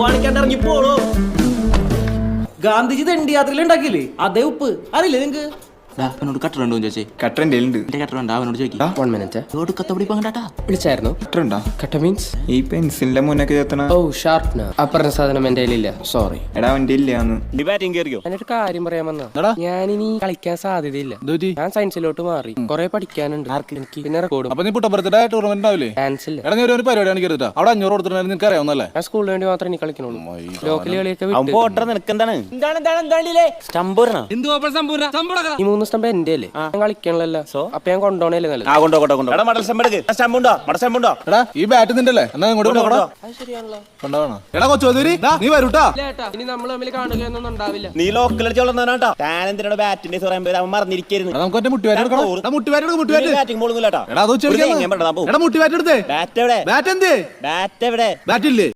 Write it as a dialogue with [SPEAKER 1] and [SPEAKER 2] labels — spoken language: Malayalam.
[SPEAKER 1] കാണിക്കാണ്ട് ഇറങ്ങി പോളോ. ഗാന്ധിജി ദണ്ഡി യാത്രയിൽ ഉണ്ടാക്കിയില്ലേ അതേ ഉപ്പ് അറിയില്ലേ നിങ്ങക്ക്?
[SPEAKER 2] അവനോട് കട്ടറുണ്ടോ ചോദിച്ചേ?
[SPEAKER 3] കട്ടറിന്റെ ഉണ്ട്.
[SPEAKER 2] കട്ടറുണ്ട് അവനോട് ചോദിക്കാം.
[SPEAKER 4] 1 minute.
[SPEAKER 2] കത്തപിടിപ്പാ
[SPEAKER 4] വിളിച്ചായിരുന്നു?
[SPEAKER 3] കട്ടറുണ്ടോ?
[SPEAKER 4] കട്ട മീൻസ്
[SPEAKER 3] ഈ പെൻസിലിന്റെ മുന്നൊക്കെ ചേർത്തണ.
[SPEAKER 4] ഓ ഷാർപ്പ്നർ. അപ്പറഞ്ഞ സാധനം എന്റെ കയ്യിലില്ല, സോറി.
[SPEAKER 3] എടാ അവന്റെ ഇല്ലാന്ന്.
[SPEAKER 4] എന്നിട്ട് കാര്യം പറയാൻ വന്ന ഞാനിനി കളിക്കാൻ സാധ്യതയില്ല. ഞാൻ സയൻസിലോട്ട് മാറി, കൊറേ പഠിക്കാനുണ്ട് എനിക്ക്. പിന്നെ റെക്കോർഡും.
[SPEAKER 5] അപ്പൊ നീ പുട്ടപ്പുറത്തിന്റെ ടൂർണമെന്റ് ആവില്ലേ?
[SPEAKER 4] ഡാൻസ് ഇല്ല.
[SPEAKER 5] എടാ നീ ഒരു പരിപാടി കാണിക്കരുത്. അവിടെ 500 കൊടുത്തിട്ടുണ്ടെങ്കിൽ നിനക്ക് അറിയാവുന്നല്ലേ?
[SPEAKER 4] ഞാൻ സ്കൂളിന് വേണ്ടി മാത്രമേ എനിക്ക് കളിക്കണുള്ളൂ. ലോക്കൽ കളിയൊക്കെ ഈ 3 സ്റ്റംപ് എന്റെ അല്ലേ, ഞാൻ കളിക്കണല്ലോ. അപ്പൊ ഞാൻ കൊണ്ടോണല്ലേ നല്ലത്.
[SPEAKER 5] എടാ ഈ ബാറ്റ് നിന്റെ അല്ലേ? എന്നാ ഇങ്ങോട്ട് കൊണ്ടുപോകണം. കൊണ്ടുപോകണം. എടാ കൊച്ചോദൂരി നീ വരൂട്ടാ.
[SPEAKER 4] ഇനി നമ്മൾ തമ്മിൽ കാണുകയൊന്നും ഉണ്ടാവില്ല.
[SPEAKER 1] നീ ലോക്കൽ കളിച്ചോളാട്ടോ. താനെന്തിനാ ബാറ്റിന്റെ അവൻ മറന്നിരിക്കരുത്.
[SPEAKER 5] നമുക്ക് ഒറ്റ മുട്ടുവാറ്റ് എടുക്കണം. മുട്ടുവാറ്റ്
[SPEAKER 1] ബാറ്റിംഗ് ബോളൊന്നുമില്ലാട്ടോ.
[SPEAKER 5] എടാ അത് എടാ മുട്ടുവാറ്റ് എടുത്തേ.
[SPEAKER 1] ബാറ്റ് എവിടെ?
[SPEAKER 5] ബാറ്റ് എന്ത്?
[SPEAKER 1] ബാറ്റ് എവിടെ?
[SPEAKER 5] ബാറ്റ് ഇല്ലേ?